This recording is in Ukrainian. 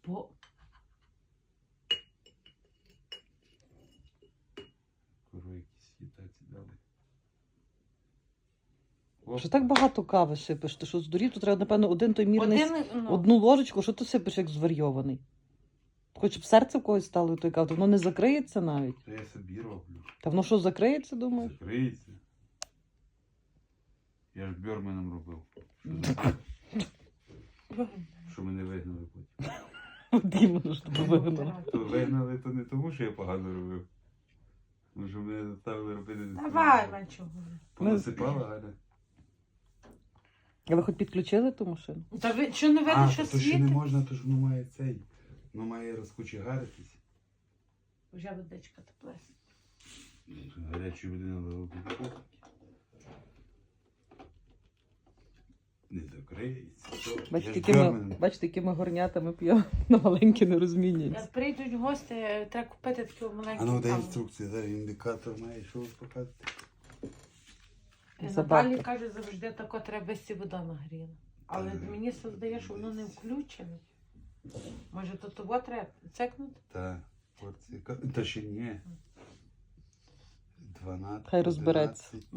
Бо... Курва, якісь їтаці дали. Що так багато кави сипеш? Ти що здурів? Тут треба, напевно, один той мірний, одну ложечку. Що ти сипеш, як зварйований? Хоч б серце в когось стало той кави, воно не закриється навіть. Та я собі роблю. Та воно що, закриється, думаєш? Закриється. Я ж бьорменом робив. Що мене вигнали потім. Дімону ж тебе вигнали. То вигнали, то не тому, що я погано робив. Тому що мене заставили робити. Давай, Манчо. Понасипала, Галя. А ви хоч підключили ту машину? Та ви що не видно, що то ще не світить? можна, то ж воно має цей. Воно має розкучегаритись. Вже водичка теплесна. Гарячої води надо робити. Не закриється. Бачите, якими горнятами п'ємо, на маленькі не розмінюється. Як прийдуть гості, треба купити таку маленьку А ну дай каву. інструкції, зараз індикатор має, що показати. Забавка. Наталі каже, завжди тако треба вести вода нагріла. Але мені здає, що воно не включене. Може, то того треба цекнути? Так, порція. Та ще ні. 12. Хай розбереться. 11.